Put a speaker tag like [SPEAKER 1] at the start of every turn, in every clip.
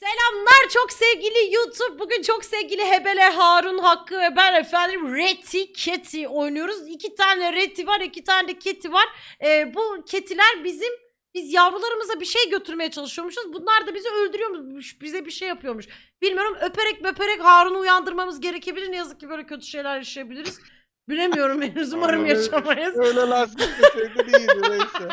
[SPEAKER 1] Selamlar çok sevgili YouTube. Bugün çok sevgili Hebele, Harun, Hakkı ve ben efendim Reti Keti oynuyoruz. 2 tane Reti var, 2 tane de Keti var. Bu Ketiler biz yavrularımıza bir şey götürmeye çalışıyormuşuz. Bunlar da bizi öldürüyormuş, bize bir şey yapıyormuş. Bilmiyorum, öperek Harun'u uyandırmamız gerekebilir. Ne yazık ki böyle kötü şeyler yaşayabiliriz. Bilemiyorum henüz, umarım yaşamayız.
[SPEAKER 2] Öyle lastik deseydi iyiydi neyse.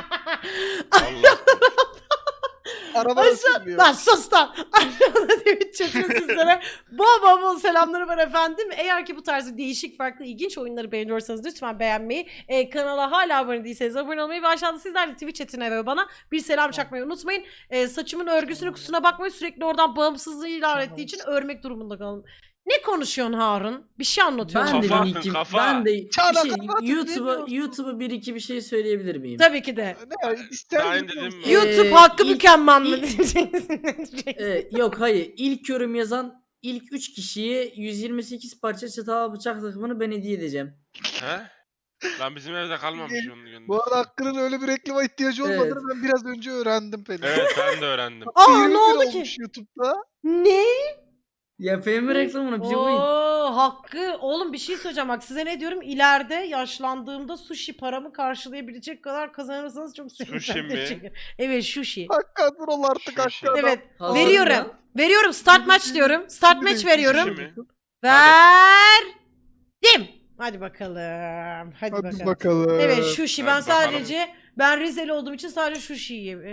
[SPEAKER 2] Araba ısınmıyor.
[SPEAKER 1] Lan sus lan. Aşağıda Twitch chatine sizlere bol selamları var efendim. Eğer ki bu tarz değişik, farklı, ilginç oyunları beğeniyorsanız lütfen beğenmeyi, kanala hala abone değilseniz abone olmayı ve aşağıda sizler de Twitch chatine ve bana bir selam çakmayı unutmayın. Saçımın örgüsünü kusuna bakmayın, sürekli oradan bağımsızlığı ilan ettiği için örmek durumunda kalın. Ne konuşuyorsun Harun? Bir şey anlatıyorsun.
[SPEAKER 3] Ben de
[SPEAKER 2] Çağla
[SPEAKER 3] bir şey,
[SPEAKER 2] kapat,
[SPEAKER 3] YouTube'a bir iki bir şey söyleyebilir miyim?
[SPEAKER 1] Tabii ki de.
[SPEAKER 2] Ne ister
[SPEAKER 4] Ben
[SPEAKER 2] misin?
[SPEAKER 4] dedim
[SPEAKER 1] YouTube hakkı
[SPEAKER 3] ilk-
[SPEAKER 1] mükemmel mi
[SPEAKER 3] ilk-
[SPEAKER 1] diyeceksin?
[SPEAKER 3] Yok hayır. İlk yorum yazan ilk 3 kişiye 128 parça çatal bıçak takımını ben hediye edeceğim.
[SPEAKER 4] He? Lan bizim evde kalmamış onun gönder.
[SPEAKER 2] Bu arada Hakkı'nın öyle bir reklama ihtiyacı olmadığını
[SPEAKER 3] Evet.
[SPEAKER 2] ben biraz önce öğrendim Pelin.
[SPEAKER 4] Evet ben de öğrendim.
[SPEAKER 1] Aa
[SPEAKER 2] 20
[SPEAKER 1] ne oldu
[SPEAKER 2] bin
[SPEAKER 1] ki?
[SPEAKER 2] olmuş YouTube'da.
[SPEAKER 1] Ne?
[SPEAKER 3] Yapayım mı reklamını? Bize koyun.
[SPEAKER 1] Oo, Hakkı. Oğlum bir şey söyleyeceğim bak, size ne diyorum, ileride yaşlandığımda sushi paramı karşılayabilecek kadar kazanırsanız çok
[SPEAKER 4] Sushi
[SPEAKER 1] sevinirim.
[SPEAKER 4] mi?
[SPEAKER 1] Teşekkür. Evet sushi.
[SPEAKER 2] Hakkı dur ol artık
[SPEAKER 4] Sushi.
[SPEAKER 2] Hakkı.
[SPEAKER 1] Evet
[SPEAKER 3] Hazır
[SPEAKER 1] veriyorum.
[SPEAKER 3] mı?
[SPEAKER 1] Veriyorum, start match diyorum. Start match
[SPEAKER 2] Sushi
[SPEAKER 1] veriyorum.
[SPEAKER 4] mi?
[SPEAKER 1] Verdim. Hadi bakalım. Hadi
[SPEAKER 2] Hadi
[SPEAKER 1] bakalım.
[SPEAKER 2] bakalım.
[SPEAKER 1] Evet sushi, ben
[SPEAKER 4] Hadi bakalım.
[SPEAKER 1] sadece Rizeli olduğum için sadece sushi yiyeyim.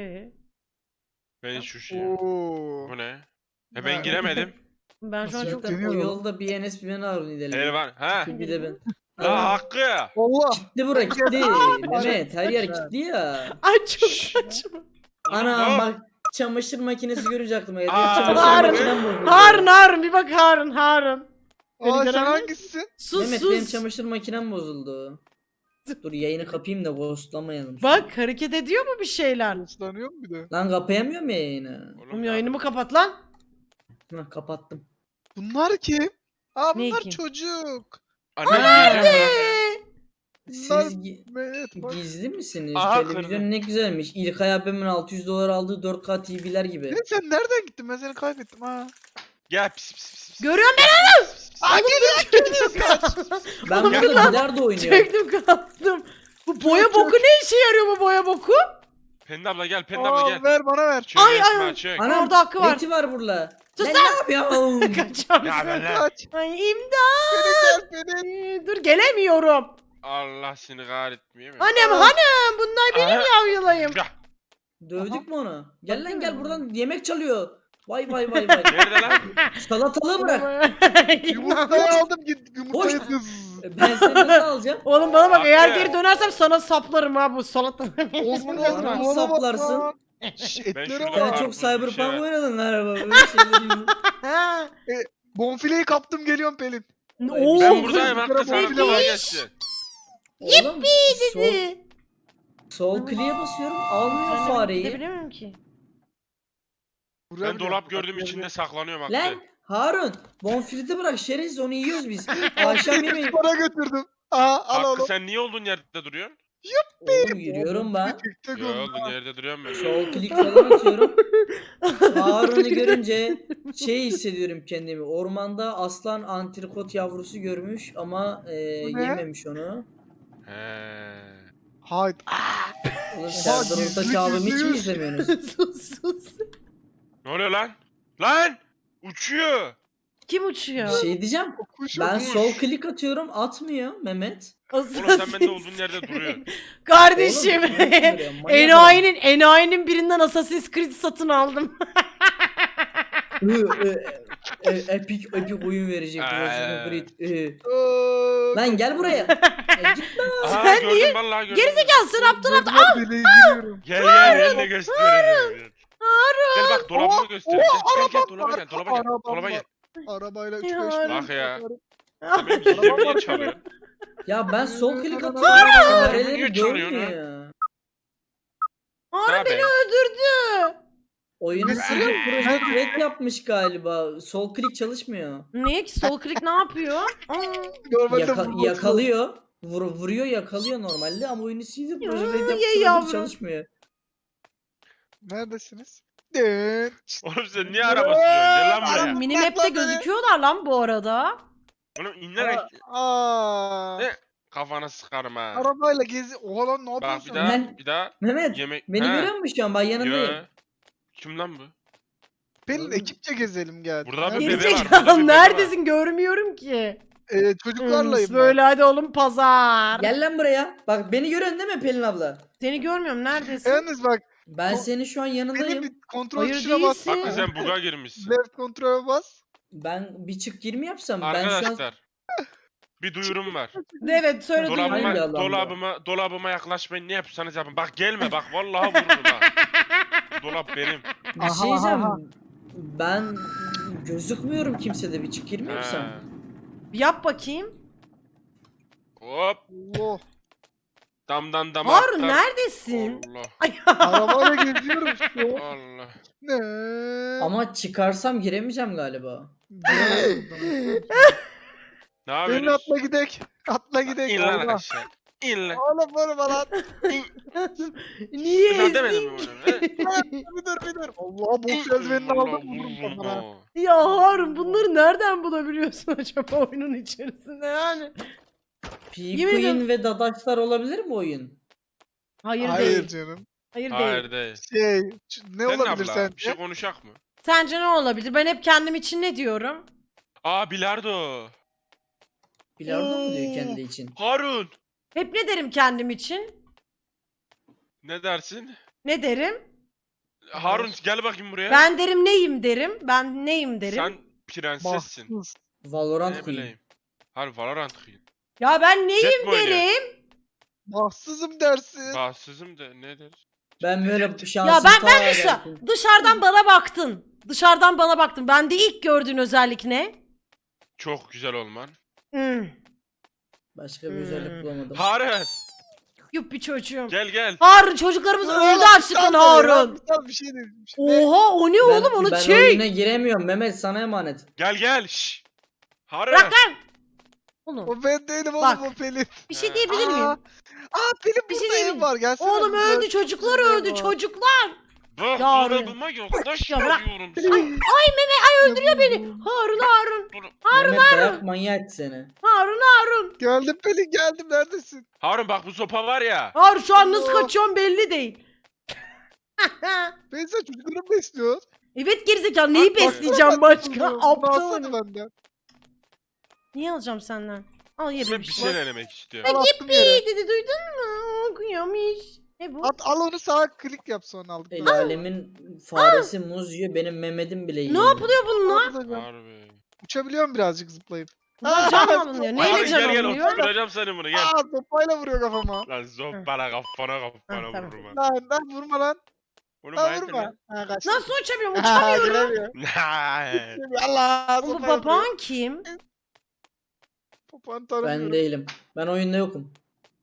[SPEAKER 4] Ben şu şey.
[SPEAKER 2] Oo.
[SPEAKER 4] Bu ne? Ben giremedim.
[SPEAKER 1] Ben şu an çok...
[SPEAKER 3] Zaten o
[SPEAKER 2] deniyorum.
[SPEAKER 3] yolda bir Enes bir ben Harun gidelim.
[SPEAKER 4] Elvan. Ha?
[SPEAKER 3] Bir de ben.
[SPEAKER 4] La Hakkı.
[SPEAKER 2] Allah.
[SPEAKER 3] Kilitli bura kilitli. Mehmet her yer kilitli ya.
[SPEAKER 1] Ay çok saçma.
[SPEAKER 3] Ana
[SPEAKER 4] Hop.
[SPEAKER 3] bak çamaşır makinesi görünce aklıma geldi.
[SPEAKER 4] Aa,
[SPEAKER 3] Çamaşır
[SPEAKER 1] Harun,
[SPEAKER 3] makinem bozuldu.
[SPEAKER 1] Harun bir bak Harun. Beni
[SPEAKER 2] Aa sen
[SPEAKER 1] gören mi?
[SPEAKER 2] hangisisin?
[SPEAKER 1] Sus
[SPEAKER 3] Mehmet benim
[SPEAKER 1] sus.
[SPEAKER 3] çamaşır makinem bozuldu. Dur yayını kapayım da ghostlamayalım.
[SPEAKER 1] Bak hareket ediyor mu bir şeyler?
[SPEAKER 2] Islanıyor mu bir de?
[SPEAKER 3] Lan kapayamıyorum ya yayını.
[SPEAKER 1] Oğlum yayınımı kapat lan.
[SPEAKER 3] Hah kapattım.
[SPEAKER 2] Bunlar kim? Aa
[SPEAKER 1] Ne
[SPEAKER 2] bunlar
[SPEAKER 1] kim?
[SPEAKER 2] çocuk.
[SPEAKER 4] Anne gireceğim
[SPEAKER 2] Bunlar
[SPEAKER 3] Siz
[SPEAKER 2] evet bak.
[SPEAKER 3] gizli misiniz?
[SPEAKER 4] Aha,
[SPEAKER 3] Televizyon
[SPEAKER 4] kırdım.
[SPEAKER 3] ne güzelmiş. İlkay abimin 600 dolar aldığı 4K TV'ler gibi.
[SPEAKER 2] Ne sen nereden gittin? Ben seni kaybettim ha.
[SPEAKER 4] Gel pis pis pis. pis.
[SPEAKER 1] Görüyorum ben.
[SPEAKER 2] Aa geliyor kaç.
[SPEAKER 3] Ben
[SPEAKER 1] Oğlum,
[SPEAKER 3] burada
[SPEAKER 1] lan.
[SPEAKER 3] bilardo oynuyorum.
[SPEAKER 1] Çöktüm kalktım. Bu boya boku ne işe yarıyor, bu boya boku?
[SPEAKER 4] Pelin abla gel Pelin abla
[SPEAKER 2] Aa
[SPEAKER 4] gel.
[SPEAKER 2] ver bana ver.
[SPEAKER 4] Çök
[SPEAKER 1] Ay,
[SPEAKER 4] Esma,
[SPEAKER 1] ay.
[SPEAKER 4] çök.
[SPEAKER 3] Anam
[SPEAKER 1] Orada hakkı var.
[SPEAKER 3] Reti var burada.
[SPEAKER 1] Sus
[SPEAKER 3] Ben
[SPEAKER 1] lan.
[SPEAKER 3] ne yapıyorum?
[SPEAKER 4] Ya
[SPEAKER 1] Kaçarsın.
[SPEAKER 4] ben lan.
[SPEAKER 2] Kaç.
[SPEAKER 1] Ay imdat.
[SPEAKER 2] Beni gel beni.
[SPEAKER 1] Dur gelemiyorum.
[SPEAKER 4] Allah seni kahretmiyor mu?
[SPEAKER 1] Hanım bunlar benim
[SPEAKER 4] Aha.
[SPEAKER 1] yavrulayım.
[SPEAKER 4] Ya,
[SPEAKER 3] Dövdük mü onu? Gel lan
[SPEAKER 1] Bakın.
[SPEAKER 3] gel buradan yemek çalıyor. Vay vay vay vay.
[SPEAKER 4] Nerede lan?
[SPEAKER 3] Salatalığı bırak.
[SPEAKER 2] Yumurtayı aldım git yumurtayı
[SPEAKER 3] Hoş.
[SPEAKER 2] kız.
[SPEAKER 3] Ben seni nasıl alacağım?
[SPEAKER 1] Oğlum bana bak, eğer
[SPEAKER 4] Hakkı.
[SPEAKER 1] geri dönersem sana saplarım ha bu salata.
[SPEAKER 2] Olsun
[SPEAKER 3] Bana
[SPEAKER 2] olsun.
[SPEAKER 3] saplarsın.
[SPEAKER 2] Etlere
[SPEAKER 4] şurada
[SPEAKER 2] bak.
[SPEAKER 3] Sen
[SPEAKER 4] Karpuz
[SPEAKER 3] çok
[SPEAKER 4] bir şey
[SPEAKER 3] Cyberpunk
[SPEAKER 4] var.
[SPEAKER 3] oynadın galiba. Böyle şeyleri yok.
[SPEAKER 1] Ha.
[SPEAKER 2] Bonfileyi kaptım geliyorum Pelin.
[SPEAKER 1] Oo,
[SPEAKER 4] Ben buradayım Hakkı
[SPEAKER 2] Kırmızı
[SPEAKER 4] sana
[SPEAKER 2] bile
[SPEAKER 4] kolay
[SPEAKER 2] var.
[SPEAKER 4] gelsin.
[SPEAKER 3] Oğlum sol,
[SPEAKER 1] dedi.
[SPEAKER 3] sol kliğe basıyorum almıyor
[SPEAKER 1] Ben de
[SPEAKER 3] fareyi.
[SPEAKER 1] gidebilemiyorum ki.
[SPEAKER 4] Ben dolap gördüm içinde saklanıyorum Hakkı.
[SPEAKER 3] Lan Harun bonfileti bırak şerefsiz onu yiyoruz biz. Akşam yemeği.
[SPEAKER 2] Bana götürdüm. Aha al
[SPEAKER 4] Hakkı
[SPEAKER 2] oğlum.
[SPEAKER 4] sen niye olduğun yerde duruyorsun?
[SPEAKER 3] Oğlum yürüyorum ben.
[SPEAKER 2] Tık
[SPEAKER 4] Ya
[SPEAKER 2] oldu.
[SPEAKER 4] olduğun yerde duruyorum ben.
[SPEAKER 3] Sol klik falan atıyorum. Harun'u görünce şey hissediyorum kendimi. Ormanda aslan antrikot yavrusu görmüş ama
[SPEAKER 2] Bu ne?
[SPEAKER 3] yememiş onu.
[SPEAKER 4] He.
[SPEAKER 2] Haydi.
[SPEAKER 3] Oğlum Serdar
[SPEAKER 2] gizli
[SPEAKER 3] Ortaç abimi hiç mi
[SPEAKER 2] gizli.
[SPEAKER 3] izlemiyorsunuz?
[SPEAKER 1] sus.
[SPEAKER 4] Ne oluyor lan? Lan! Uçuyor.
[SPEAKER 1] Kim uçuyor?
[SPEAKER 3] Bir şey diyeceğim.
[SPEAKER 2] Kuş
[SPEAKER 3] Ben
[SPEAKER 2] kuş.
[SPEAKER 3] sol klik atıyorum atmıyor Mehmet.
[SPEAKER 4] Oğlum sen bende olduğun yerde duruyorsun.
[SPEAKER 1] Kardeşim.
[SPEAKER 3] Oğlum, nasıl duruyor? Manyak adam.
[SPEAKER 1] Enayinin birinden Assassin's Creed satın aldım.
[SPEAKER 3] Epic oyun verecek. Assassin's Creed. Lan gel buraya. Gitme.
[SPEAKER 4] Aha,
[SPEAKER 1] Sen
[SPEAKER 4] gördüm,
[SPEAKER 1] niye?
[SPEAKER 4] vallahi gördüm.
[SPEAKER 1] Gerizekalı sen aptal aptal.
[SPEAKER 2] Deliğe giriyorum.
[SPEAKER 4] Gel gel eline göstereceğim. Gel bak dolabımı göstereyim. Gel dolaba gel dolaba gel. Dolaba gel.
[SPEAKER 2] Arabayla
[SPEAKER 1] Ya
[SPEAKER 2] 3-5
[SPEAKER 1] Rabbi.
[SPEAKER 4] Bak ya. Sen benim gizlimi niye çalıyorsun?
[SPEAKER 3] Ya ben sol klik
[SPEAKER 4] Niye
[SPEAKER 3] atıyorum. Fareleri
[SPEAKER 4] çalıyorsun ha?
[SPEAKER 3] görmüyor.
[SPEAKER 1] Harun
[SPEAKER 4] Tabii.
[SPEAKER 1] beni öldürdü.
[SPEAKER 3] Oyunu
[SPEAKER 2] Ne?
[SPEAKER 3] silip proje red yapmış galiba. Sol klik çalışmıyor.
[SPEAKER 1] Niye ki sol klik ne yapıyor? Aa.
[SPEAKER 2] Normalde vurması-
[SPEAKER 3] Yakalıyor. Vuruyor yakalıyor normalde ama oyunu silip proje red
[SPEAKER 1] Ya
[SPEAKER 3] yapmış
[SPEAKER 1] yavrum.
[SPEAKER 3] olabilir, çalışmıyor.
[SPEAKER 2] Neredesiniz?
[SPEAKER 4] Oğlum sen niye araba sürüyorsun? Gel lan buraya.
[SPEAKER 1] Minimap'te gözüküyorlar lan bu arada.
[SPEAKER 4] Oğlum inerek Ne? Kafana sıkarım ha.
[SPEAKER 2] Arabayla gezi. Oha lan ne
[SPEAKER 4] Bak
[SPEAKER 2] yapıyorsun?
[SPEAKER 3] Ben-
[SPEAKER 4] bir daha
[SPEAKER 3] Mehmet
[SPEAKER 4] yemek.
[SPEAKER 3] beni
[SPEAKER 4] He.
[SPEAKER 3] görüyor musun şu an? Ben yanındayım.
[SPEAKER 4] Yo. Kim lan bu?
[SPEAKER 2] Pelin ekipçe gezelim gel.
[SPEAKER 4] Burada bir
[SPEAKER 2] Nerede?
[SPEAKER 4] bebe var, burada bir
[SPEAKER 1] Gerizekalı
[SPEAKER 4] bebe
[SPEAKER 1] neredesin görmüyorum ki.
[SPEAKER 2] Çocuklarlayım ben.
[SPEAKER 1] Böyle hadi oğlum pazar.
[SPEAKER 3] Gel lan buraya. Bak beni görüyorsun değil mi Pelin abla?
[SPEAKER 1] Seni görmüyorum neredesin?
[SPEAKER 2] Yalnız bak
[SPEAKER 3] Ben
[SPEAKER 2] O-
[SPEAKER 3] senin şu an
[SPEAKER 2] benim
[SPEAKER 3] yanındayım.
[SPEAKER 2] bir kontrol
[SPEAKER 1] Hayır,
[SPEAKER 2] tuşuna bas.
[SPEAKER 1] değilsin.
[SPEAKER 4] Hakkı sen buga girmişsin.
[SPEAKER 2] Left kontrole bas.
[SPEAKER 3] Ben bir çık gir mi yapsam? Ben şu an
[SPEAKER 4] Arkadaşlar. Bir duyurum var.
[SPEAKER 1] Evet söyle
[SPEAKER 3] Hangi
[SPEAKER 1] duyuyorum.
[SPEAKER 4] Dolabıma yaklaşmayın, ne yapıyorsanız yapın. Bak gelme bak, vallahi vururum ha. Dolap benim.
[SPEAKER 3] bir
[SPEAKER 2] Aha,
[SPEAKER 3] şey diyeceğim.
[SPEAKER 2] aha.
[SPEAKER 3] Ben gözükmüyorum kimsede, bir çık gir mi yapsam?
[SPEAKER 4] He.
[SPEAKER 1] Yap bakayım.
[SPEAKER 4] Hop.
[SPEAKER 2] Allah.
[SPEAKER 4] Damdan dama
[SPEAKER 1] Harun
[SPEAKER 4] atlar.
[SPEAKER 1] neredesin?
[SPEAKER 4] Allah.
[SPEAKER 1] Ay,
[SPEAKER 2] Arabayla geziyorum işte.
[SPEAKER 4] Allah.
[SPEAKER 2] Ne?
[SPEAKER 3] Ama çıkarsam giremeyeceğim galiba.
[SPEAKER 4] Ne
[SPEAKER 2] Pelin
[SPEAKER 4] yapıyorsunuz?
[SPEAKER 2] atla gidek. Atla gidek.
[SPEAKER 4] İn lan
[SPEAKER 2] Allah.
[SPEAKER 4] aşağı. İn lan.
[SPEAKER 2] Oğlum vurma lan.
[SPEAKER 1] Niye
[SPEAKER 4] Sen demedin mi
[SPEAKER 1] ezdin?
[SPEAKER 4] bunu? he?
[SPEAKER 2] Bir dur. Allah boş eldivenini
[SPEAKER 4] Vallahi
[SPEAKER 2] aldım. Vururum
[SPEAKER 4] vururum
[SPEAKER 2] kafana.
[SPEAKER 4] ha.
[SPEAKER 1] Ya Harun bunları nereden bulabiliyorsun acaba oyunun içerisinde yani? Yemin ediyorum.
[SPEAKER 3] P-Queen ve Dadaşlar olabilir mi oyun?
[SPEAKER 1] Hayır,
[SPEAKER 2] Hayır
[SPEAKER 1] değil.
[SPEAKER 2] canım.
[SPEAKER 1] Hayır değil.
[SPEAKER 4] Hayır değil.
[SPEAKER 2] Ne
[SPEAKER 4] Sen
[SPEAKER 2] olabilir
[SPEAKER 4] abla,
[SPEAKER 2] sence?
[SPEAKER 4] bir şey konuşak mı?
[SPEAKER 1] Sence ne olabilir? Ben hep kendim için ne diyorum?
[SPEAKER 4] Aa, bilardo.
[SPEAKER 3] Bilardo mu diyor kendi için?
[SPEAKER 4] Harun.
[SPEAKER 1] Hep ne derim kendim için?
[SPEAKER 4] Ne dersin?
[SPEAKER 1] Ne derim?
[SPEAKER 4] Harun gel bakayım buraya.
[SPEAKER 1] Ben derim neyim derim. Ben neyim derim.
[SPEAKER 4] Sen prensessin.
[SPEAKER 2] Bahtsız.
[SPEAKER 3] Valorant
[SPEAKER 4] Ne
[SPEAKER 3] Queen.
[SPEAKER 4] bileyim. Harun Valorant Queen.
[SPEAKER 1] Ya ben neyim
[SPEAKER 4] Jet mi oynuyor?
[SPEAKER 1] derim.
[SPEAKER 2] Bahtsızım dersin.
[SPEAKER 4] Bahtsızım da ne der?
[SPEAKER 3] Ben böyle şansım
[SPEAKER 1] Ya ben
[SPEAKER 3] ta
[SPEAKER 1] dışa-
[SPEAKER 3] gelsin.
[SPEAKER 1] dışarıdan bana baktın. Dışarıdan bana baktın. Bende ilk gördüğün özellik ne?
[SPEAKER 4] Çok güzel olman.
[SPEAKER 3] Başka bir özellik bulamadım.
[SPEAKER 4] Harun
[SPEAKER 1] Yuppi çocuğum.
[SPEAKER 4] gel.
[SPEAKER 1] Harun çocuklarımız öldü açlıktan Harun.
[SPEAKER 2] Bir şey dedim. Bir şey.
[SPEAKER 1] Oha o ne oğlum onu
[SPEAKER 3] ben
[SPEAKER 1] çek.
[SPEAKER 3] oyuna giremiyorum Mehmet, sana emanet.
[SPEAKER 4] Gel. Şşş. Harun.
[SPEAKER 1] Bırak lan. Oğlum
[SPEAKER 2] O ben değilim
[SPEAKER 1] Bak.
[SPEAKER 2] oğlum o Pelin.
[SPEAKER 1] bir şey diyebilir miyim?
[SPEAKER 2] Aa Pelin
[SPEAKER 1] Bir şey
[SPEAKER 2] burada
[SPEAKER 1] diyeyim
[SPEAKER 2] ev
[SPEAKER 1] mi?
[SPEAKER 2] var. Gelsene.
[SPEAKER 1] Oğlum
[SPEAKER 2] bize.
[SPEAKER 1] öldü çocuklar öldü çocuklar.
[SPEAKER 4] Bak
[SPEAKER 1] Ya Harun.
[SPEAKER 4] dolabıma yaklaş
[SPEAKER 1] Ya bırak.
[SPEAKER 4] diyorum
[SPEAKER 1] Öldürüyor beni. Harun.
[SPEAKER 3] Mehmet dayak manyak seni.
[SPEAKER 1] Harun.
[SPEAKER 2] Geldim Pelin geldim. Neredesin?
[SPEAKER 4] Harun bak, bu sopa var ya.
[SPEAKER 1] Harun şu an nasıl
[SPEAKER 2] Allah.
[SPEAKER 1] kaçıyorum belli değil.
[SPEAKER 2] Ben sen çocukları mı besliyorsun?
[SPEAKER 1] Evet gerizekalı neyi
[SPEAKER 2] Bak,
[SPEAKER 1] besleyeceğim
[SPEAKER 2] baksana
[SPEAKER 1] başka?
[SPEAKER 2] Bunu alsana
[SPEAKER 1] Aptalım.
[SPEAKER 2] benden.
[SPEAKER 1] Niye alacağım senden? Al
[SPEAKER 4] Ben
[SPEAKER 1] yedim
[SPEAKER 4] bir şey denemek istiyorum.
[SPEAKER 2] Al attım yere.
[SPEAKER 1] İyi dedi duydun mu? Okuyormuş. Ne bu?
[SPEAKER 2] Al onu sağa klik yap sonra aldıktan
[SPEAKER 3] El
[SPEAKER 2] sonra.
[SPEAKER 3] alemin faresi muz yiyor, benim Mehmet'im bile yiyor.
[SPEAKER 1] Ne yapılıyor bununla?
[SPEAKER 2] Alacağım.
[SPEAKER 4] Harbi.
[SPEAKER 2] Uçabiliyorum birazcık zıplayıp.
[SPEAKER 1] Bunlar can alınıyor. Neyle
[SPEAKER 4] Harun
[SPEAKER 1] can
[SPEAKER 4] gel
[SPEAKER 1] alınıyor?
[SPEAKER 4] oturacağım seni bunu, gel.
[SPEAKER 2] Aa sopayla vuruyor kafama.
[SPEAKER 4] Lan zoppala kafana
[SPEAKER 1] Ha, tamam.
[SPEAKER 4] vururum ha.
[SPEAKER 2] Lan vurma lan.
[SPEAKER 4] Bunu
[SPEAKER 2] Lan
[SPEAKER 4] ben
[SPEAKER 2] vurma. Ha kaç.
[SPEAKER 1] Nasıl uçamıyorum?
[SPEAKER 2] Ha,
[SPEAKER 1] Uçamıyorum.
[SPEAKER 2] giremiyor.
[SPEAKER 4] Ne?
[SPEAKER 2] Allah
[SPEAKER 1] Bu
[SPEAKER 2] sopayla vuruyor.
[SPEAKER 1] papağan kim?
[SPEAKER 2] Papağanı
[SPEAKER 3] Ben
[SPEAKER 2] tanımıyorum.
[SPEAKER 3] değilim. Ben oyunda yokum.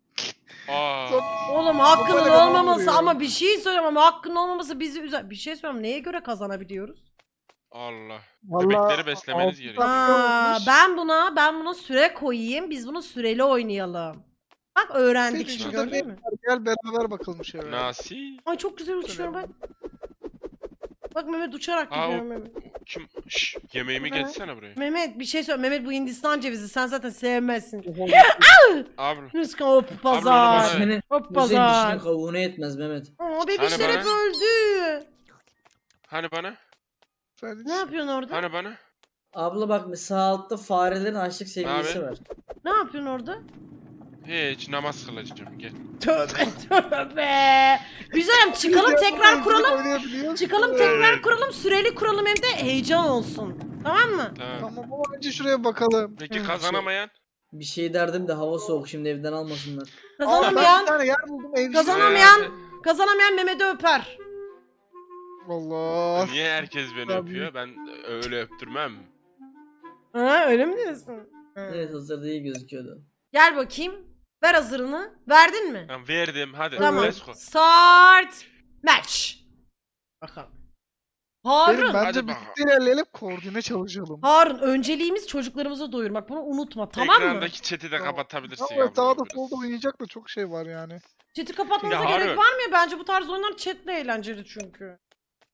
[SPEAKER 4] Aa.
[SPEAKER 1] Oğlum hakkının
[SPEAKER 2] Papağanı kafama
[SPEAKER 1] olmaması
[SPEAKER 2] vuruyor.
[SPEAKER 1] ama bir şey söyleyeyim ama hakkının olmaması bizi üzer. Bir şey söyleyeyim neye göre kazanabiliyoruz?
[SPEAKER 4] Allah.
[SPEAKER 2] Vallahi
[SPEAKER 4] Bebekleri beslemeniz
[SPEAKER 2] altı
[SPEAKER 4] gerekiyor.
[SPEAKER 2] dakika
[SPEAKER 1] Aa,
[SPEAKER 2] olmuş.
[SPEAKER 1] ben buna süre koyayım. Biz bunu süreli oynayalım. Bak öğrendik
[SPEAKER 2] Senin
[SPEAKER 1] şimdi
[SPEAKER 2] şurada
[SPEAKER 1] gördün
[SPEAKER 2] ne
[SPEAKER 1] mü?
[SPEAKER 2] var? Gel beraber bakalım şöyle.
[SPEAKER 4] Nasi?
[SPEAKER 1] Ay çok güzel uçuyorum ben. Bak Mehmet uçarak
[SPEAKER 4] Aa, o-
[SPEAKER 1] gidiyorum Mehmet.
[SPEAKER 4] Kim? Şşş, yemeğimi
[SPEAKER 1] Ha.
[SPEAKER 4] getirsene buraya.
[SPEAKER 1] Mehmet bir şey söyle. Mehmet bu Hindistan cevizi sen zaten sevmezsin.
[SPEAKER 4] Abi.
[SPEAKER 1] Rızkı hop
[SPEAKER 4] bana
[SPEAKER 1] pazar.
[SPEAKER 4] ver.
[SPEAKER 3] Senin
[SPEAKER 1] Hop
[SPEAKER 3] müzeyin
[SPEAKER 1] pazar.
[SPEAKER 3] dişinin kavuğuna yetmez Mehmet.
[SPEAKER 1] Aa bebişler
[SPEAKER 4] Hani
[SPEAKER 1] hep
[SPEAKER 4] bana?
[SPEAKER 1] öldü.
[SPEAKER 4] Hani bana?
[SPEAKER 2] Sen
[SPEAKER 1] Ne yapıyorsun orada?
[SPEAKER 4] Hani bana?
[SPEAKER 3] Abla bak sağ altta farelerin açlık seviyesi
[SPEAKER 4] Abi.
[SPEAKER 3] var.
[SPEAKER 1] Ne yapıyorsun orada?
[SPEAKER 4] Hiç, namaz kılacağım, gel.
[SPEAKER 1] Tövbe tövbe. Güzelim çıkalım tekrar kuralım. Çıkalım tekrar kuralım. Süreli kuralım hem de heyecan olsun. Tamam mı?
[SPEAKER 4] Tamam.
[SPEAKER 2] Tamam ama önce şuraya bakalım.
[SPEAKER 4] Peki
[SPEAKER 1] Hı.
[SPEAKER 4] kazanamayan?
[SPEAKER 3] Bir şey derdim de hava soğuk, şimdi evden almasınlar.
[SPEAKER 2] Aa, ben bir
[SPEAKER 1] Kazanamayan,
[SPEAKER 2] tane yer buldum evcil.
[SPEAKER 1] Kazanamayan- kazanamayan Mehmet'i öper.
[SPEAKER 2] Allah.
[SPEAKER 4] Niye herkes beni
[SPEAKER 2] Tabii.
[SPEAKER 4] öpüyor? Ben öyle öptürmem.
[SPEAKER 1] Ha öyle mi diyorsun?
[SPEAKER 3] Evet, hazırda iyi gözüküyordu.
[SPEAKER 1] Gel bakayım. Ver hazırını. Verdin mi?
[SPEAKER 4] Tamam, verdim, hadi.
[SPEAKER 1] Tamam.
[SPEAKER 4] Let's go.
[SPEAKER 1] Start match. Bakalım.
[SPEAKER 2] Benim
[SPEAKER 1] Harun.
[SPEAKER 2] bence
[SPEAKER 4] Hadi
[SPEAKER 2] birlikte ilerleyelim koordine çalışalım.
[SPEAKER 1] Harun önceliğimiz çocuklarımızı doyurmak. Bunu unutma tamam mı?
[SPEAKER 4] Ekrandaki chat'i de
[SPEAKER 2] Tamam.
[SPEAKER 4] kapatabilirsin
[SPEAKER 2] Ama
[SPEAKER 4] yavrum
[SPEAKER 2] sağda
[SPEAKER 4] biraz.
[SPEAKER 2] solda oynayacak da çok şey var yani.
[SPEAKER 1] Chat'i kapatmanıza
[SPEAKER 4] Ya
[SPEAKER 1] gerek
[SPEAKER 4] Harun.
[SPEAKER 1] var mı ya? Bence bu tarz oyunlar chatle eğlenceli çünkü.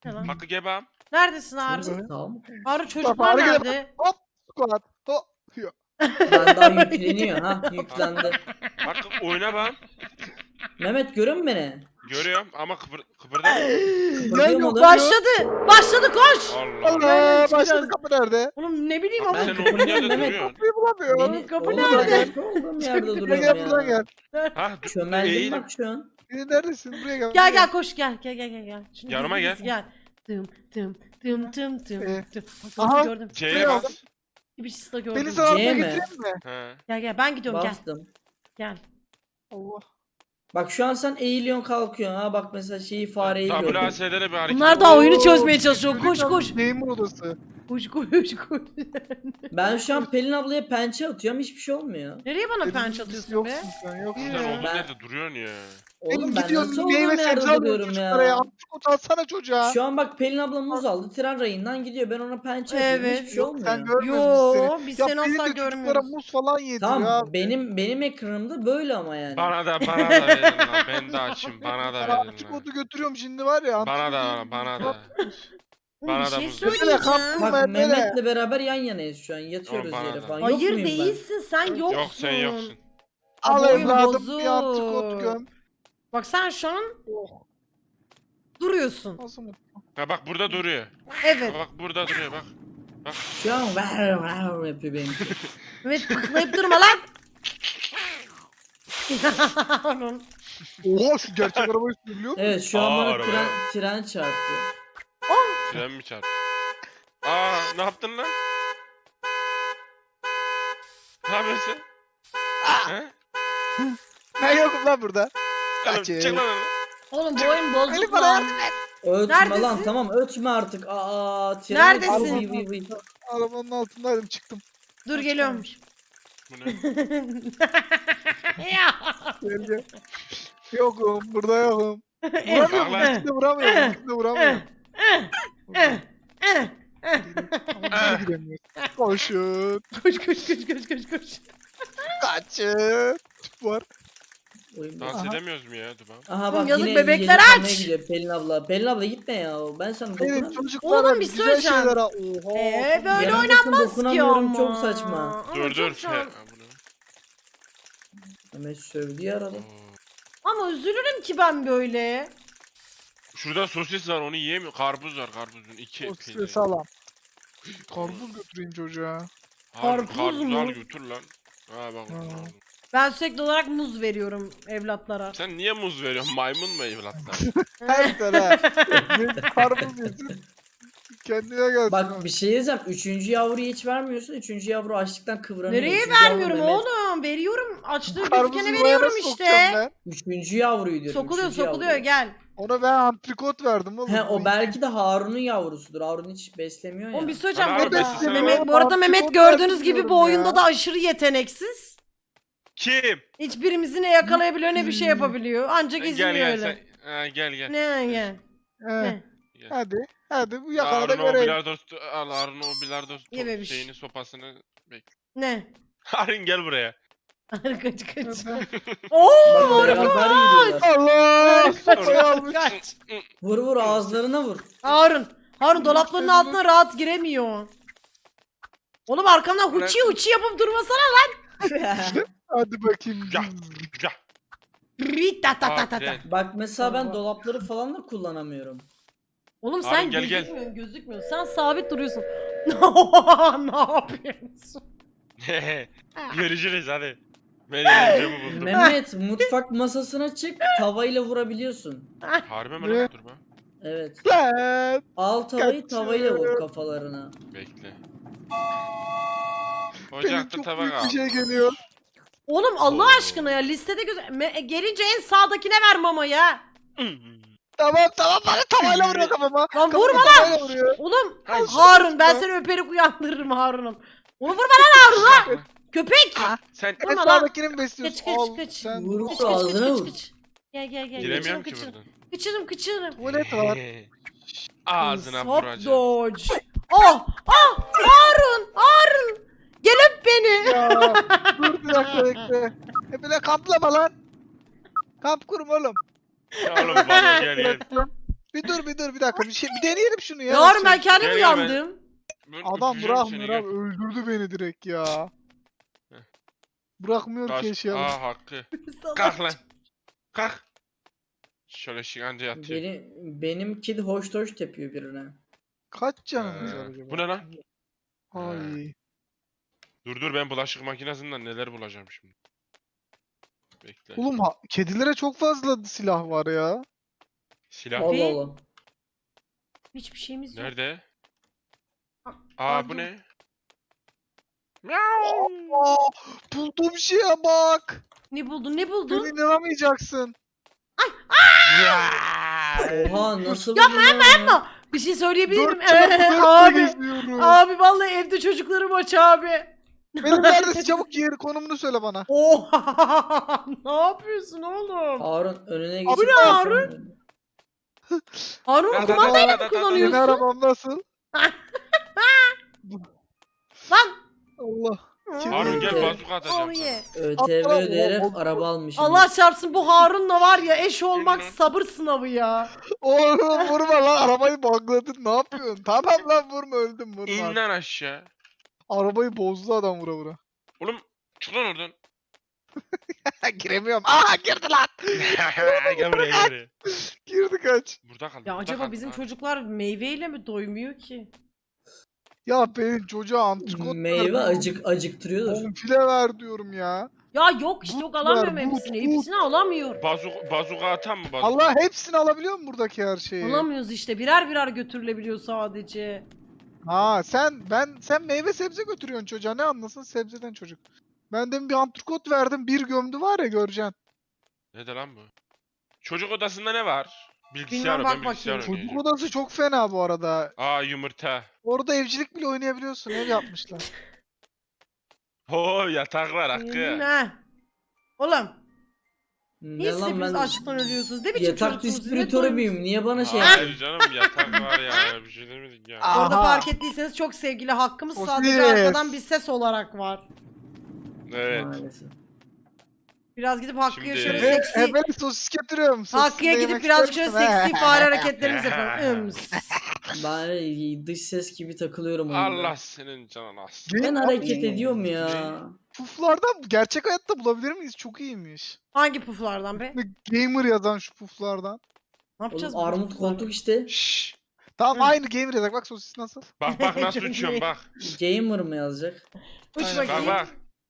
[SPEAKER 1] Ne lan?
[SPEAKER 4] Hakkı gebam.
[SPEAKER 1] Neredesin
[SPEAKER 3] Senin
[SPEAKER 1] Harun?
[SPEAKER 3] sesin daha mı?
[SPEAKER 1] Harun çocuklar
[SPEAKER 2] Harun gel-
[SPEAKER 1] nerede?
[SPEAKER 2] Hop. Squat. Hop. Yo.
[SPEAKER 3] Ben daha yükleniyor ha. Yüklendi.
[SPEAKER 4] Hakkı oyna bam.
[SPEAKER 3] Mehmet görüyor musun beni?
[SPEAKER 4] Görüyorum ama kıpırdama.
[SPEAKER 3] Kıpırdıyor mu
[SPEAKER 2] yok.
[SPEAKER 3] oğlum?
[SPEAKER 1] Başladı. Başladı koş.
[SPEAKER 4] Allah Allah.
[SPEAKER 2] Allah.
[SPEAKER 1] çıkacağız.
[SPEAKER 2] Başladı kapı nerede?
[SPEAKER 1] Oğlum ne bileyim
[SPEAKER 4] Abi
[SPEAKER 1] ama.
[SPEAKER 4] sen
[SPEAKER 3] Ben
[SPEAKER 4] olduğun yerde
[SPEAKER 3] kıpırdıyorum,
[SPEAKER 4] duruyorsun.
[SPEAKER 2] Kapıyı bulamıyorum.
[SPEAKER 3] Beni,
[SPEAKER 1] Kapı
[SPEAKER 3] oğlum
[SPEAKER 1] nerede?
[SPEAKER 3] ben başka olduğum yerde
[SPEAKER 2] Buraya
[SPEAKER 3] duruyorum
[SPEAKER 2] gel buradan
[SPEAKER 3] ya.
[SPEAKER 2] gel.
[SPEAKER 4] Ha
[SPEAKER 3] Çömeldim
[SPEAKER 4] eğilim.
[SPEAKER 3] bak şu an.
[SPEAKER 2] Neredesin? Buraya gel.
[SPEAKER 1] Gel gel koş gel. Gel. Şimdi
[SPEAKER 4] Yanıma
[SPEAKER 1] gizli
[SPEAKER 4] gel.
[SPEAKER 1] Tım tım tım tım tım
[SPEAKER 2] Ee,
[SPEAKER 1] tım.
[SPEAKER 2] aha.
[SPEAKER 1] Bak, gördüm.
[SPEAKER 4] C'ye
[SPEAKER 2] Buraya
[SPEAKER 4] bas.
[SPEAKER 2] aldım.
[SPEAKER 1] Bir şey de gördüm.
[SPEAKER 2] Beni sana atmaya
[SPEAKER 3] C mi?
[SPEAKER 2] getireyim mi?
[SPEAKER 4] He.
[SPEAKER 1] Gel ben gidiyorum gel.
[SPEAKER 3] Bastım.
[SPEAKER 1] Gel.
[SPEAKER 2] Allah.
[SPEAKER 3] Bak şu an sen eğiliyorsun kalkıyorsun ha. Bak mesela şeyi fareyi gördüm.
[SPEAKER 4] WASD'de bir hareket.
[SPEAKER 1] Bunlar da oyunu
[SPEAKER 2] Oo,
[SPEAKER 1] çözmeye çalışıyor. Koş
[SPEAKER 2] çocuk
[SPEAKER 1] koş.
[SPEAKER 2] Neyimin odası?
[SPEAKER 1] Koş.
[SPEAKER 3] Ben şu an Pelin ablaya pençe atıyorum hiçbir şey olmuyor.
[SPEAKER 1] Nereye bana
[SPEAKER 2] Benim
[SPEAKER 1] penç
[SPEAKER 2] odası
[SPEAKER 1] atıyorsun be?
[SPEAKER 2] yoksun sen, yoksun.
[SPEAKER 4] Sen
[SPEAKER 1] Yürü.
[SPEAKER 4] olduğun
[SPEAKER 3] Ben-
[SPEAKER 4] yerde duruyorsun ya.
[SPEAKER 3] Oğlum
[SPEAKER 2] Benim
[SPEAKER 3] ben
[SPEAKER 2] gidiyorsun
[SPEAKER 3] nasıl
[SPEAKER 2] meyve
[SPEAKER 3] olduğum yerde
[SPEAKER 2] sebze alıyorum
[SPEAKER 3] duruyorum
[SPEAKER 2] çocuklara ya.
[SPEAKER 3] ya.
[SPEAKER 2] Antrikot alsana çocuğa.
[SPEAKER 3] Şu an bak Pelin abla muz aldı. Tren rayından gidiyor. Ben ona pençe atıyorum.
[SPEAKER 1] Evet.
[SPEAKER 3] Hiçbir şey
[SPEAKER 2] Yok
[SPEAKER 3] olmuyor.
[SPEAKER 2] sen görmüyoruz
[SPEAKER 1] Yo
[SPEAKER 2] biz
[SPEAKER 1] biz
[SPEAKER 2] seni.
[SPEAKER 1] seni
[SPEAKER 2] Ya
[SPEAKER 1] asla
[SPEAKER 2] Pelin de çocuklara
[SPEAKER 1] görmüyoruz.
[SPEAKER 2] muz falan yediriyor
[SPEAKER 3] Tamam
[SPEAKER 2] abi.
[SPEAKER 3] benim ekranımda böyle ama yani.
[SPEAKER 4] Bana da verin lan. Ben de açayım. Bana da
[SPEAKER 2] Ben
[SPEAKER 4] verin lan.
[SPEAKER 2] antrikotu götürüyorum şimdi var ya.
[SPEAKER 4] Bana da
[SPEAKER 2] antrikotu-
[SPEAKER 4] bana da.
[SPEAKER 1] Oğlum,
[SPEAKER 4] Bana
[SPEAKER 1] bir
[SPEAKER 4] da
[SPEAKER 1] şey
[SPEAKER 4] muz.
[SPEAKER 1] söyleyeceğim.
[SPEAKER 3] Bak
[SPEAKER 2] Ben böyle-
[SPEAKER 3] Mehmet'le beraber yan yanayız şu an. Yatıyoruz
[SPEAKER 4] Tamam, bana
[SPEAKER 3] yere
[SPEAKER 4] da.
[SPEAKER 3] falan. Yok
[SPEAKER 1] Hayır
[SPEAKER 3] muyum ben?
[SPEAKER 1] değilsin sen yoksun.
[SPEAKER 4] Yok sen yoksun.
[SPEAKER 2] Al
[SPEAKER 1] Bu oyun
[SPEAKER 2] evladım bir
[SPEAKER 1] bozuk.
[SPEAKER 2] antrikot göm.
[SPEAKER 1] Bak sen şu an
[SPEAKER 2] Oh,
[SPEAKER 1] duruyorsun.
[SPEAKER 2] nasıl mı?
[SPEAKER 4] Ha bak burada duruyor.
[SPEAKER 1] Evet.
[SPEAKER 4] Bak burada duruyor bak.
[SPEAKER 3] Şu an var yapıyor benim.
[SPEAKER 1] Evet tıklayıp durma lan. Harun.
[SPEAKER 2] Oha şu gerçek arabayı sürebiliyor mu?
[SPEAKER 3] Evet şu an
[SPEAKER 4] Aa,
[SPEAKER 3] bana
[SPEAKER 4] araba.
[SPEAKER 3] tren çarptı.
[SPEAKER 4] Tren mi çarptı? Aa ne yaptın lan? Ne yapıyorsun? He?
[SPEAKER 2] Ben yokum lan burada.
[SPEAKER 4] Oğlum,
[SPEAKER 2] Kaçın.
[SPEAKER 4] çık lan oradan.
[SPEAKER 1] Oğlum bu oyun
[SPEAKER 2] Beni
[SPEAKER 1] bozuk
[SPEAKER 2] bana
[SPEAKER 1] lan.
[SPEAKER 2] yardım et.
[SPEAKER 3] Ötme
[SPEAKER 1] Neredesin?
[SPEAKER 3] lan tamam ötme artık. Aa tren
[SPEAKER 1] Neredesin?
[SPEAKER 2] Arabanın altındaydım çıktım.
[SPEAKER 1] Dur geliyorum.
[SPEAKER 4] Bu ne?
[SPEAKER 1] Ya.
[SPEAKER 2] Gel gel. Yokum burada yokum.
[SPEAKER 4] Bak
[SPEAKER 2] Vuramıyorum.
[SPEAKER 4] lan.
[SPEAKER 2] İkisini de vuramıyorum. İkisini de vuramıyorum.
[SPEAKER 1] Eh,
[SPEAKER 2] Ama bize giremiyoruz. Koşun.
[SPEAKER 1] koş.
[SPEAKER 2] Kaçın. Tüp var.
[SPEAKER 3] Oyun
[SPEAKER 4] Dans
[SPEAKER 2] Aha.
[SPEAKER 4] edemiyoruz mu ya Duba?
[SPEAKER 3] Aha
[SPEAKER 1] Oğlum,
[SPEAKER 3] bak
[SPEAKER 1] yazık
[SPEAKER 3] yine
[SPEAKER 1] bebekler
[SPEAKER 3] gece kalmaya
[SPEAKER 1] aç.
[SPEAKER 3] gidiyor Pelin abla. Pelin abla gitme ya. Ben sana
[SPEAKER 2] Benim
[SPEAKER 3] dokunamıyorum.
[SPEAKER 2] çocuklara
[SPEAKER 1] Oğlum, bir
[SPEAKER 2] güzel
[SPEAKER 1] söyleyeceğim.
[SPEAKER 2] şeyler al. Oha.
[SPEAKER 1] Böyle
[SPEAKER 3] Yarın
[SPEAKER 1] oynanmaz ki
[SPEAKER 3] dokunamıyorum,
[SPEAKER 1] ama.
[SPEAKER 3] çok saçma.
[SPEAKER 1] Ama
[SPEAKER 4] Dur
[SPEAKER 1] çok
[SPEAKER 4] dur.
[SPEAKER 1] şu an-
[SPEAKER 4] He, ha, bu ne?
[SPEAKER 3] Mehmet sövdü yaralı.
[SPEAKER 4] Oo.
[SPEAKER 1] Ama üzülürüm ki ben böyle.
[SPEAKER 4] Şurada sosis var onu yiyemiyor. Karpuz var karpuzun. İki
[SPEAKER 2] O
[SPEAKER 4] peyniri.
[SPEAKER 2] stres alam. Karpuz götüreyim çocuğa.
[SPEAKER 4] Harbi
[SPEAKER 1] Karpuz
[SPEAKER 4] karpuz
[SPEAKER 1] mu?
[SPEAKER 4] al götür lan. Ha bak.
[SPEAKER 2] Ha.
[SPEAKER 1] Ben sürekli olarak muz veriyorum evlatlara.
[SPEAKER 4] Sen niye muz veriyorsun? Maymun mu evlatlar?
[SPEAKER 2] Her tane. Karpuz yesin. Kendine gelsin.
[SPEAKER 3] Bak bir şey diyeceğim. Üçüncü yavruyu hiç vermiyorsun. Üçüncü yavru açlıktan kıvranıyor.
[SPEAKER 1] Nereye
[SPEAKER 3] Üçüncü yavru
[SPEAKER 1] vermiyorum
[SPEAKER 3] Mehmet.
[SPEAKER 1] oğlum? Veriyorum. Açlığı
[SPEAKER 2] Karpuzu
[SPEAKER 1] gözükene
[SPEAKER 2] yuvaya
[SPEAKER 1] veriyorum
[SPEAKER 2] nasıl
[SPEAKER 1] işte.
[SPEAKER 2] sokacağım ben?
[SPEAKER 3] Üçüncü yavruyu diyorum.
[SPEAKER 1] Sokuluyor
[SPEAKER 3] üçüncü
[SPEAKER 1] sokuluyor
[SPEAKER 3] yavruyu.
[SPEAKER 1] gel.
[SPEAKER 2] Ona ben antrikot verdim oğlum.
[SPEAKER 3] He o belki de Harun'un yavrusudur. Harun hiç beslemiyor ya.
[SPEAKER 1] Oğlum bir söyleyeceğim.
[SPEAKER 4] Ana
[SPEAKER 1] Bu
[SPEAKER 4] abi,
[SPEAKER 1] arada,
[SPEAKER 4] sen
[SPEAKER 1] Mehmet,
[SPEAKER 2] oğlum,
[SPEAKER 1] bu arada Mehmet
[SPEAKER 2] antrikot
[SPEAKER 1] gördüğünüz
[SPEAKER 2] verdim
[SPEAKER 1] gibi bu
[SPEAKER 2] diyorum
[SPEAKER 1] oyunda
[SPEAKER 2] ya.
[SPEAKER 1] da aşırı yeteneksiz.
[SPEAKER 4] Kim?
[SPEAKER 1] Hiçbirimizi ne yakalayabiliyor ne bir şey yapabiliyor. Ancak
[SPEAKER 4] Gel
[SPEAKER 1] izliyor
[SPEAKER 4] gel
[SPEAKER 1] öyle.
[SPEAKER 4] sen. Ha, gel.
[SPEAKER 1] Ne gel.
[SPEAKER 2] He,
[SPEAKER 4] Gel.
[SPEAKER 2] hadi. Hadi bu yakala da
[SPEAKER 4] Harun o
[SPEAKER 2] göreyim.
[SPEAKER 4] bilardo al Harun o bilardo
[SPEAKER 1] Ye bebiş.
[SPEAKER 4] şeyini sopasını bekle.
[SPEAKER 1] Ne?
[SPEAKER 4] Harun gel buraya.
[SPEAKER 1] kaç.
[SPEAKER 2] Hadi.
[SPEAKER 1] Oo!
[SPEAKER 3] Bak beraber yürüyorlar.
[SPEAKER 2] Allah! Sopayı
[SPEAKER 1] Kaç,
[SPEAKER 2] almış.
[SPEAKER 1] kaç.
[SPEAKER 3] Vur vur ağızlarına vur.
[SPEAKER 1] Harun dolapların altına rahat giremiyor. Oğlum arkamdan huçi yapıp durmasana lan.
[SPEAKER 2] Hadi bakayım.
[SPEAKER 4] Gel. Gel.
[SPEAKER 1] Rita ta ta ta ta.
[SPEAKER 4] Tren.
[SPEAKER 3] Bak mesela ben
[SPEAKER 1] Allah.
[SPEAKER 3] dolapları falan da kullanamıyorum.
[SPEAKER 1] Oğlum
[SPEAKER 4] Harun
[SPEAKER 1] sen
[SPEAKER 4] gel, gel.
[SPEAKER 1] gözükmüyorsun. Sen sabit duruyorsun. ne yapıyorsun?
[SPEAKER 4] Görüşürüz hadi. Ben eğlencemi buldum.
[SPEAKER 3] Mehmet mutfak masasına çık tavayla vurabiliyorsun.
[SPEAKER 4] Harbi mi
[SPEAKER 2] Ne?
[SPEAKER 4] lan? Dur be.
[SPEAKER 3] Evet.
[SPEAKER 2] Lan!
[SPEAKER 3] Al tavayı
[SPEAKER 2] Kaçıyor.
[SPEAKER 3] tavayla vur kafalarına.
[SPEAKER 4] Bekle.
[SPEAKER 2] Benim
[SPEAKER 4] Ocakta
[SPEAKER 2] çok
[SPEAKER 4] tabak
[SPEAKER 2] büyük
[SPEAKER 4] al.
[SPEAKER 2] bir şey geliyor.
[SPEAKER 1] Oğlum Allah
[SPEAKER 4] Oo.
[SPEAKER 1] aşkına ya listede gelince en sağdakine ver mamayı ha.
[SPEAKER 2] Tamam bana tavayla vuruyor kafama.
[SPEAKER 1] Lan
[SPEAKER 2] Kafama
[SPEAKER 1] vurma lan.
[SPEAKER 2] tavayla vuruyor.
[SPEAKER 1] Oğlum
[SPEAKER 4] Ay,
[SPEAKER 1] Harun ben
[SPEAKER 2] ya.
[SPEAKER 1] seni öperek uyandırırım Harun'um. Oğlum vurma lan Harun lan. Köpek.
[SPEAKER 4] Sen
[SPEAKER 2] En
[SPEAKER 1] Vurma lan.
[SPEAKER 2] sağdakini mi besliyorsun?
[SPEAKER 1] Kaç,
[SPEAKER 2] Al,
[SPEAKER 1] kaç.
[SPEAKER 2] Sen
[SPEAKER 3] Vur
[SPEAKER 1] Kıç
[SPEAKER 3] vur ağzına vur.
[SPEAKER 1] Gel.
[SPEAKER 4] giremiyorum ki
[SPEAKER 1] Kıçırım,
[SPEAKER 4] buradan.
[SPEAKER 1] Kıçırım.
[SPEAKER 2] tuvalet var.
[SPEAKER 4] Ağzına
[SPEAKER 1] Hop
[SPEAKER 4] vuracağım.
[SPEAKER 1] dodge. Oh Harun. Gel öp beni.
[SPEAKER 2] Ya dur bir dakika bekle. Bir de kamplama lan. Kamp kurum oğlum.
[SPEAKER 4] Ya oğlum bana gel.
[SPEAKER 2] Bir dur bir dakika bir deneyelim şunu ya.
[SPEAKER 1] Harun ben kendim
[SPEAKER 4] Gel ya, ben-
[SPEAKER 1] uyandım.
[SPEAKER 2] Adam
[SPEAKER 4] Öpeceğim
[SPEAKER 2] bırakmıyor
[SPEAKER 4] seni,
[SPEAKER 2] abi öldürdü beni direkt ya. Bırakmıyor ki
[SPEAKER 4] gel.
[SPEAKER 2] yaşayalım.
[SPEAKER 4] Hakkı. Kalk lan. Kalk. Şöyle şikanca yatıyor.
[SPEAKER 3] Benim kedi hoş tepiyor birine.
[SPEAKER 2] Kaç canımız var acaba?
[SPEAKER 4] Bu ne lan?
[SPEAKER 2] Ay.
[SPEAKER 4] Dur ben bulaşık makinesinden neler bulacağım şimdi. Bekle.
[SPEAKER 2] Oğlum kedilere çok fazla silah var ya.
[SPEAKER 4] Silah.
[SPEAKER 3] Allah Allah.
[SPEAKER 1] Hiçbir şeyimiz yok.
[SPEAKER 4] Nerede?
[SPEAKER 1] Aa,
[SPEAKER 4] Aa bu
[SPEAKER 1] dur.
[SPEAKER 4] ne? Miau.
[SPEAKER 2] Aa, bulduğum şeye bak.
[SPEAKER 1] Ne buldun ne
[SPEAKER 2] Sen
[SPEAKER 1] buldun?
[SPEAKER 2] inanamayacaksın.
[SPEAKER 3] Oha nasıl
[SPEAKER 1] Yapma,
[SPEAKER 3] buldun ya?
[SPEAKER 1] Ama bir şey söyleyebilir miyim?
[SPEAKER 2] 4x4
[SPEAKER 1] Abi.
[SPEAKER 2] geziyorum.
[SPEAKER 1] Abi vallahi evde çocuklarım aç abi.
[SPEAKER 2] Benim neredesin? Çabuk yer konumunu söyle bana.
[SPEAKER 1] Oha! Ne yapıyorsun oğlum?
[SPEAKER 3] Harun önüne
[SPEAKER 2] Abi
[SPEAKER 3] geçip
[SPEAKER 2] ne
[SPEAKER 3] ben
[SPEAKER 1] Harun?
[SPEAKER 3] sana-
[SPEAKER 1] Harun
[SPEAKER 4] Da- da-
[SPEAKER 1] kumandayla
[SPEAKER 4] da-
[SPEAKER 1] mı
[SPEAKER 4] da- da- da-
[SPEAKER 2] Yeni
[SPEAKER 1] kullanıyorsun?
[SPEAKER 2] arabam nasıl?
[SPEAKER 1] Lan!
[SPEAKER 2] Allah.
[SPEAKER 4] Harun gel
[SPEAKER 3] Evet.
[SPEAKER 4] bazuka atacağım.
[SPEAKER 1] Onu ye.
[SPEAKER 3] ÖTV
[SPEAKER 2] Atla,
[SPEAKER 3] ödeyerek
[SPEAKER 2] o-
[SPEAKER 3] araba almışım.
[SPEAKER 1] Allah çarpsın bu Harun'la var ya eş olmak
[SPEAKER 4] Bilmem.
[SPEAKER 1] sabır sınavı ya.
[SPEAKER 2] Oğlum vurma lan arabayı bugladın ne yapıyorsun? Tamam lan vurma öldüm vurma.
[SPEAKER 4] İn lan aşağı.
[SPEAKER 2] Arabayı bozdu adam vura vura.
[SPEAKER 4] Oğlum çık lan oradan.
[SPEAKER 2] Giremiyorum. Aa girdi lan.
[SPEAKER 4] Gel buraya gel buraya.
[SPEAKER 2] Girdi kaç.
[SPEAKER 4] Burada kal.
[SPEAKER 1] Ya
[SPEAKER 4] burada
[SPEAKER 1] acaba
[SPEAKER 4] kal.
[SPEAKER 1] bizim
[SPEAKER 4] Ha.
[SPEAKER 1] çocuklar meyveyle mi doymuyor ki?
[SPEAKER 2] Ya benim çocuğa antrikot
[SPEAKER 3] Meyve
[SPEAKER 2] ver.
[SPEAKER 3] acıktırıyordur.
[SPEAKER 2] Bonfile ver diyorum ya.
[SPEAKER 1] Ya yok işte yok
[SPEAKER 2] But
[SPEAKER 1] alamıyorum
[SPEAKER 2] var, but,
[SPEAKER 1] hepsini.
[SPEAKER 2] but.
[SPEAKER 1] Hepsini alamıyor.
[SPEAKER 4] Bazuka atan mı bazuka?
[SPEAKER 2] Allah hepsini alabiliyor mu buradaki her şeyi?
[SPEAKER 1] Alamıyoruz işte birer birer götürülebiliyor sadece.
[SPEAKER 2] Ha sen meyve sebze götürüyorsun çocuğa ne anlasın sebzeden çocuk. Ben demin bir antrikot verdim bir gömdü var ya göreceksin.
[SPEAKER 4] Ne de lan bu? Çocuk odasında ne var? Bilgisayar
[SPEAKER 1] Bilmem,
[SPEAKER 4] o,
[SPEAKER 1] bak
[SPEAKER 4] ben bilgisayar
[SPEAKER 1] bakayım.
[SPEAKER 2] Çocuk
[SPEAKER 4] oynayacağım.
[SPEAKER 2] odası çok fena bu arada.
[SPEAKER 4] Aa yumurta.
[SPEAKER 2] Orada evcilik bile oynayabiliyorsun ev yapmışlar.
[SPEAKER 4] Oo yatak var Hakkı.
[SPEAKER 1] Ne? Oğlum
[SPEAKER 3] Ne
[SPEAKER 1] niye siz
[SPEAKER 3] lan
[SPEAKER 1] hepiniz
[SPEAKER 3] ben
[SPEAKER 1] açlıktan ölüyorsunuz? Ne biçim
[SPEAKER 3] yatak
[SPEAKER 1] çocuksunuz siz? Ne
[SPEAKER 3] distribütörü
[SPEAKER 1] doymuş-
[SPEAKER 3] müyüm? Niye bana şey
[SPEAKER 4] Hayır canım yatak var ya bir şey demedik ya.
[SPEAKER 2] Aa.
[SPEAKER 1] Orada
[SPEAKER 2] Aha.
[SPEAKER 1] fark ettiyseniz çok sevgili hakkımız
[SPEAKER 2] O
[SPEAKER 1] sadece
[SPEAKER 2] ses.
[SPEAKER 1] arkadan bir ses olarak var.
[SPEAKER 4] Evet.
[SPEAKER 3] Maalesef.
[SPEAKER 1] Biraz gidip Hakkı'ya
[SPEAKER 4] Şimdi-
[SPEAKER 1] şöyle
[SPEAKER 2] Ve
[SPEAKER 1] seksi...
[SPEAKER 2] hemen sosis getiriyorum. Sosisini
[SPEAKER 1] Hakkı'ya
[SPEAKER 2] yemek
[SPEAKER 1] gidip birazcık şöyle
[SPEAKER 2] ister misin?
[SPEAKER 1] seksi fare hareketlerimizi yapalım. Ims.
[SPEAKER 3] Ben dış ses gibi takılıyorum oyunda.
[SPEAKER 4] Allah senin canın az.
[SPEAKER 3] Ben
[SPEAKER 2] Game-
[SPEAKER 3] hareket ediyorum ya.
[SPEAKER 2] Puflardan gerçek hayatta bulabilir miyiz? Çok iyiymiş.
[SPEAKER 1] Hangi puflardan be?
[SPEAKER 2] Gamer yazan şu puflardan.
[SPEAKER 1] Ne yapacağız?
[SPEAKER 3] Oğlum
[SPEAKER 1] bu
[SPEAKER 3] armut
[SPEAKER 1] puflarla?
[SPEAKER 3] koltuk işte.
[SPEAKER 4] Şşş.
[SPEAKER 2] Tamam
[SPEAKER 1] Hı.
[SPEAKER 2] aynı gamer yazak bak sosis nasıl?
[SPEAKER 4] Bak nasıl
[SPEAKER 1] Çok
[SPEAKER 4] uçuyorum
[SPEAKER 1] iyi.
[SPEAKER 4] bak.
[SPEAKER 3] Gamer mı yazacak?
[SPEAKER 1] Uç
[SPEAKER 2] Aynen.
[SPEAKER 4] Bak
[SPEAKER 1] bakayım.
[SPEAKER 4] bak.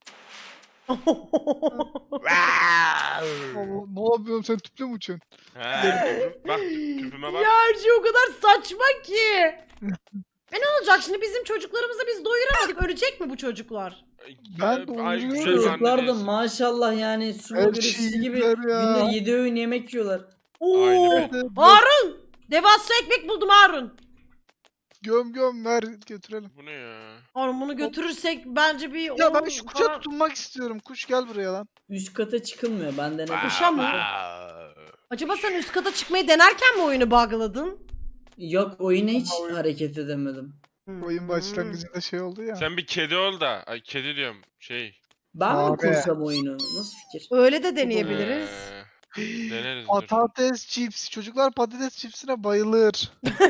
[SPEAKER 2] Allah, ne yapıyorsun sen tüple mi uçuyorsun?
[SPEAKER 4] He, bak tüpüme bak.
[SPEAKER 1] Ya her şey o kadar saçma ki. Ne olacak şimdi bizim çocuklarımızı biz doyuramadık. Ölecek mi bu çocuklar?
[SPEAKER 2] Ben
[SPEAKER 4] Ay,
[SPEAKER 2] doyuruyorum.
[SPEAKER 4] güzel
[SPEAKER 3] Çocuklar da
[SPEAKER 4] zannediyorsun.
[SPEAKER 3] maşallah yani su
[SPEAKER 2] Her
[SPEAKER 3] birisi
[SPEAKER 2] şeyi
[SPEAKER 3] gibi
[SPEAKER 2] yediler ya.
[SPEAKER 3] günde 7 öğün yemek yiyorlar.
[SPEAKER 1] Oo.
[SPEAKER 4] Aynen.
[SPEAKER 1] Harun! Devasa ekmek buldum Harun.
[SPEAKER 2] Göm ver götürelim.
[SPEAKER 4] Bu ne ya?
[SPEAKER 1] Harun bunu götürürsek bence bir...
[SPEAKER 2] Ya ben
[SPEAKER 1] on
[SPEAKER 2] şu kuşa
[SPEAKER 1] falan-
[SPEAKER 2] tutunmak istiyorum. Kuş gel buraya lan.
[SPEAKER 3] Üst kata çıkılmıyor. Ben denedim.
[SPEAKER 1] Kuşa mı? Acaba sen üst kata çıkmayı denerken mi oyunu bug'ladın?
[SPEAKER 3] Yok oyuna hiç
[SPEAKER 2] Ama oyun-
[SPEAKER 3] hareket edemedim.
[SPEAKER 2] Oyun
[SPEAKER 1] Hmm.
[SPEAKER 2] başlangıcında şey oldu ya.
[SPEAKER 4] Sen bir kedi ol da. Ay kedi diyorum. Şey.
[SPEAKER 3] Ben mi
[SPEAKER 2] Abi.
[SPEAKER 3] kursam oyunu? Nasıl fikir?
[SPEAKER 1] Öyle de deneyebiliriz.
[SPEAKER 4] Deneriz dur.
[SPEAKER 2] Patates chips. Çocuklar patates chipsine bayılır.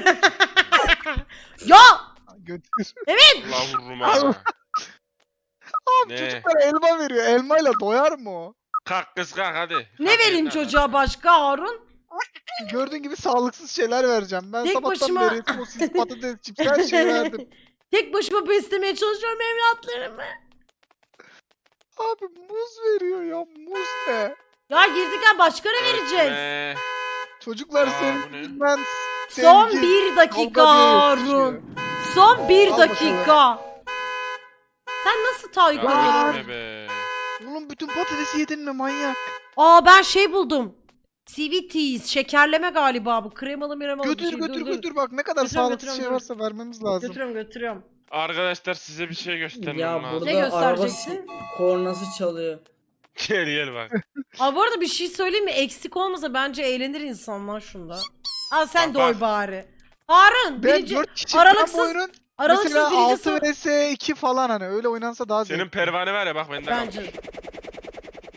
[SPEAKER 1] Ya!
[SPEAKER 2] Götür.
[SPEAKER 4] Allah vururum ha.
[SPEAKER 2] Abi
[SPEAKER 4] Ne?
[SPEAKER 2] çocuklar elma veriyor. Elmayla doyar mı o?
[SPEAKER 4] Kalk kız kalk hadi.
[SPEAKER 1] Ne
[SPEAKER 4] Kalk,
[SPEAKER 1] vereyim
[SPEAKER 4] yeter lan.
[SPEAKER 1] çocuğa başka Harun?
[SPEAKER 2] Gördüğün gibi sağlıksız şeyler vereceğim. Ben
[SPEAKER 1] Tek
[SPEAKER 2] sabahtan
[SPEAKER 1] başıma-
[SPEAKER 2] beri sosis, patates, chips her şeyi verdim.
[SPEAKER 1] Tek başıma beslemeye çalışıyorum evlatlarımı.
[SPEAKER 2] Abi muz veriyor ya. Muz ne?
[SPEAKER 1] Ya girdik başka ne vereceğiz?
[SPEAKER 4] Ötme.
[SPEAKER 2] Çocuklar
[SPEAKER 4] Aa,
[SPEAKER 2] senin
[SPEAKER 4] bu ne?
[SPEAKER 2] yüzünden
[SPEAKER 1] Son
[SPEAKER 2] sevgi,
[SPEAKER 1] bir dakika
[SPEAKER 2] kavga diye
[SPEAKER 1] Harun.
[SPEAKER 2] yetişiyor.
[SPEAKER 1] Son bir
[SPEAKER 2] Al
[SPEAKER 1] dakika. Sen nasıl Tayyip
[SPEAKER 4] Ya
[SPEAKER 1] oldun?
[SPEAKER 4] gitme be.
[SPEAKER 2] Oğlum bütün patatesi yedin mi manyak?
[SPEAKER 1] Aa ben şey buldum. Sweeties, şekerleme galiba bu. Kremalı miremalı bir
[SPEAKER 2] Götür
[SPEAKER 1] şey.
[SPEAKER 2] götür
[SPEAKER 1] Dur, dur.
[SPEAKER 2] götür bak ne kadar
[SPEAKER 1] Götürüyorum,
[SPEAKER 2] sağlıksız şey
[SPEAKER 1] götürüyorum,
[SPEAKER 2] varsa vermemiz lazım.
[SPEAKER 1] Götürüyorum.
[SPEAKER 4] Arkadaşlar size bir şey göstermem
[SPEAKER 3] Ya
[SPEAKER 4] lazım.
[SPEAKER 3] burada
[SPEAKER 1] Ne
[SPEAKER 3] araba
[SPEAKER 1] göstereceksin?
[SPEAKER 3] kornası çalıyor.
[SPEAKER 4] Gel bak.
[SPEAKER 1] Aa bu arada bir şey söyleyeyim mi? Eksik olmasa bence eğlenir insanlar şunda. Aa sen
[SPEAKER 4] Bak,
[SPEAKER 1] doy
[SPEAKER 4] bak.
[SPEAKER 1] bari. Harun
[SPEAKER 2] Ben
[SPEAKER 1] birinci,
[SPEAKER 2] 4 kişi
[SPEAKER 1] aralıksız-
[SPEAKER 2] bu oyunun
[SPEAKER 1] aralıksız
[SPEAKER 2] mesela
[SPEAKER 1] birinci
[SPEAKER 2] 6 vs 2 falan hani öyle oynansa daha
[SPEAKER 4] Senin
[SPEAKER 2] zevkli.
[SPEAKER 4] pervane var ya bak bende kalmış.
[SPEAKER 1] Bence.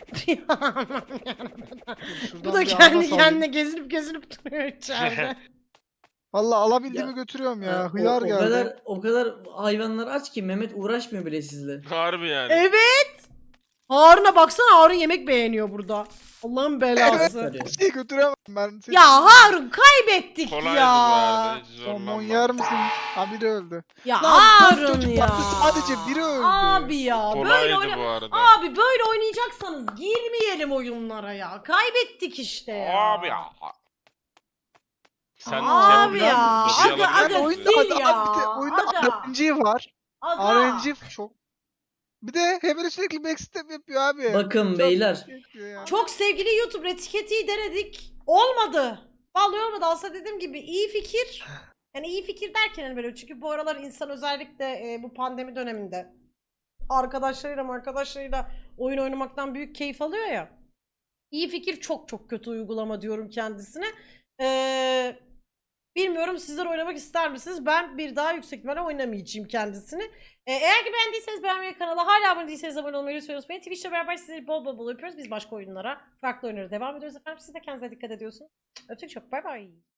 [SPEAKER 2] Şuradan
[SPEAKER 1] Bu da
[SPEAKER 2] bir
[SPEAKER 1] kendi
[SPEAKER 2] ananas alayım.
[SPEAKER 1] kendine gezinip duruyor içeride.
[SPEAKER 2] Valla alabildiğimi
[SPEAKER 3] Ya,
[SPEAKER 2] götürüyorum
[SPEAKER 3] Ha,
[SPEAKER 2] ya. Hıyar geldi.
[SPEAKER 3] o kadar hayvanlar aç ki Mehmet uğraşmıyor bile sizle.
[SPEAKER 4] Harbi yani.
[SPEAKER 1] Evet. Harun'a baksana, Harun yemek beğeniyor burada. Allah'ın belası.
[SPEAKER 3] Sarıyor.
[SPEAKER 2] Bir şey götüremem ben. Seni-
[SPEAKER 1] Ya Harun kaybettik
[SPEAKER 4] Kolaydı bu
[SPEAKER 1] ya.
[SPEAKER 4] arada. Hiç
[SPEAKER 2] Somon
[SPEAKER 4] zorlanma.
[SPEAKER 2] yer misin? Ha biri öldü.
[SPEAKER 1] Ya
[SPEAKER 2] Lan, dört
[SPEAKER 1] Harun
[SPEAKER 2] çocuk
[SPEAKER 1] ya.
[SPEAKER 2] vardı, sadece biri öldü.
[SPEAKER 1] Abi ya böyle
[SPEAKER 4] Kolaydı
[SPEAKER 1] oyna...
[SPEAKER 4] bu arada.
[SPEAKER 1] Abi böyle oynayacaksanız girmeyelim oyunlara ya. Kaybettik işte ya.
[SPEAKER 4] Abi ya. Sen
[SPEAKER 1] Abi
[SPEAKER 4] şey
[SPEAKER 1] ya.
[SPEAKER 4] yapabilir misin?
[SPEAKER 1] Aga,
[SPEAKER 4] Lobi
[SPEAKER 1] aga,
[SPEAKER 4] alabilir
[SPEAKER 1] sil
[SPEAKER 4] misin?
[SPEAKER 1] ya.
[SPEAKER 2] Bir de oyunda
[SPEAKER 1] Aga.
[SPEAKER 2] RNG var.
[SPEAKER 1] Aga.
[SPEAKER 2] RNG çok. Bir de Hebele sürekli backstep yapıyor abi.
[SPEAKER 3] Bakın
[SPEAKER 2] Çok
[SPEAKER 3] beyler.
[SPEAKER 2] şey yapıyor ya.
[SPEAKER 1] Çok sevgili YouTube etiketi denedik. Olmadı. Vallahi olmadı. Aslında dediğim gibi iyi fikir. Yani iyi fikir derken hani böyle, çünkü bu aralar insan özellikle bu pandemi döneminde arkadaşlarıyla oyun oynamaktan büyük keyif alıyor ya. İyi fikir, çok çok kötü uygulama diyorum kendisine. Bilmiyorum, sizler oynamak ister misiniz? Ben bir daha yüksek ihtimalle oynamayacağım kendisini. Eğer ki beğendiyseniz beğenmeyi, kanala hala abone değilseniz abone olmayı lütfen unutmayın. Twitch'le beraber sizleri bol bol yapıyoruz. Biz başka oyunlara, farklı oyunlara devam ediyoruz efendim. Siz de kendinize dikkat ediyorsunuz. Öptük çok. Bay bay.